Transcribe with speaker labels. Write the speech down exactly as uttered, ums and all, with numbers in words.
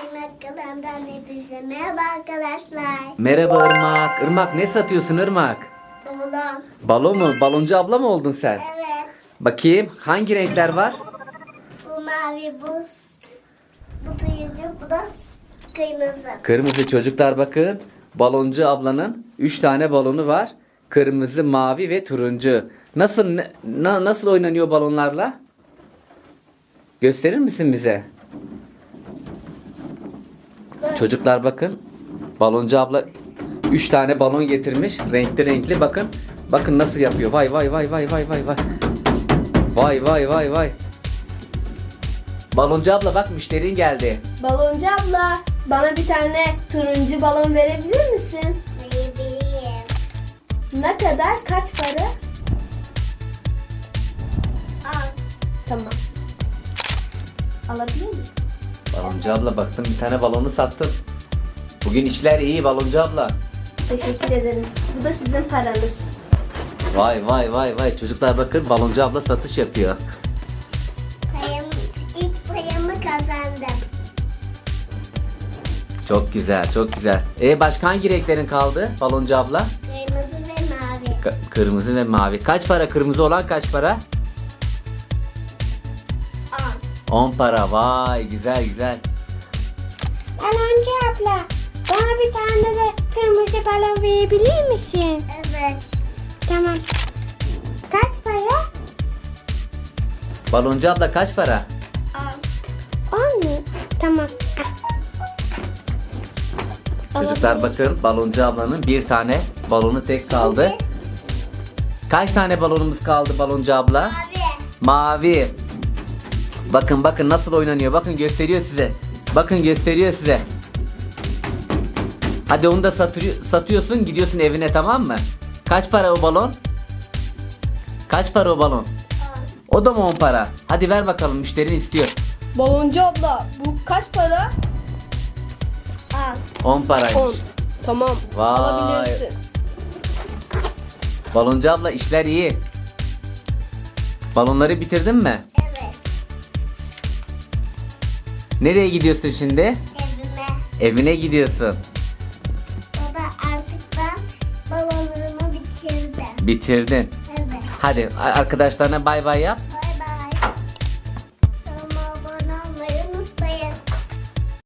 Speaker 1: Irmak kanalından hepinize merhaba arkadaşlar.
Speaker 2: Merhaba Irmak. Irmak ne satıyorsun Irmak?
Speaker 1: Balon.
Speaker 2: Balon mu? Baloncu abla mı oldun sen?
Speaker 1: Evet.
Speaker 2: Bakayım hangi renkler var?
Speaker 1: Bu mavi, bu, bu turuncu, bu da kırmızı.
Speaker 2: Kırmızı çocuklar bakın. Baloncu ablanın üç tane balonu var. Kırmızı, mavi ve turuncu. Nasıl ne- na- nasıl oynanıyor balonlarla? Gösterir misin bize?
Speaker 1: Böyle.
Speaker 2: Çocuklar bakın. Baloncu abla üç tane balon getirmiş. Renkli renkli bakın. Bakın nasıl yapıyor. Vay vay vay vay vay vay vay. Vay vay vay vay. Baloncu abla bak müşterin geldi.
Speaker 3: Baloncu abla, bana bir tane turuncu balon verebilir misin?
Speaker 1: Verebileyim.
Speaker 3: Ne kadar? Kaç para?
Speaker 1: Al.
Speaker 3: Tamam. Alabilir miyim?
Speaker 2: Baloncu abla baktım bir tane balonu sattın. Bugün işler iyi Baloncu abla.
Speaker 3: Teşekkür ederim. Bu da sizin paranız.
Speaker 2: Vay vay vay vay. Çocuklar bakın Baloncu abla satış yapıyor.
Speaker 1: Payım, ilk payımı kazandım.
Speaker 2: Çok güzel çok güzel. E başka hangi renklerin kaldı Baloncu abla?
Speaker 1: Kırmızı ve mavi.
Speaker 2: K- kırmızı ve mavi. Kaç para kırmızı olan kaç para?
Speaker 1: Al.
Speaker 2: on para. Vay güzel güzel.
Speaker 3: Baloncu abla, bana bir tane de kırmızı balon verebilir misin?
Speaker 1: Evet.
Speaker 3: Tamam. Kaç para?
Speaker 2: Baloncu abla kaç para?
Speaker 1: Al.
Speaker 3: On mu? Tamam.
Speaker 2: Çocuklar bakın Baloncu ablanın bir tane balonu tek kaldı. Kaç tane balonumuz kaldı Baloncu abla?
Speaker 1: Mavi.
Speaker 2: Mavi. Bakın bakın nasıl oynanıyor. Bakın gösteriyor size. Bakın gösteriyor size. Hadi onu da satıyor, satıyorsun gidiyorsun evine tamam mı? Kaç para o balon? Kaç para o balon?
Speaker 1: Al.
Speaker 2: O da mı on para? Hadi ver bakalım müşterin istiyor.
Speaker 3: Baloncu abla, bu kaç para?
Speaker 1: Al.
Speaker 2: on paraymış.
Speaker 3: On. Tamam.
Speaker 2: Vay.
Speaker 3: Alabilirsin.
Speaker 2: Baloncu abla işler iyi. Balonları bitirdin mi?
Speaker 1: Evet.
Speaker 2: Nereye gidiyorsun şimdi?
Speaker 1: Evime.
Speaker 2: Evine gidiyorsun.
Speaker 1: Baba artık ben balonlarımı bitirdim.
Speaker 2: Bitirdin.
Speaker 1: Evet.
Speaker 2: Hadi arkadaşlarına bay bay yap.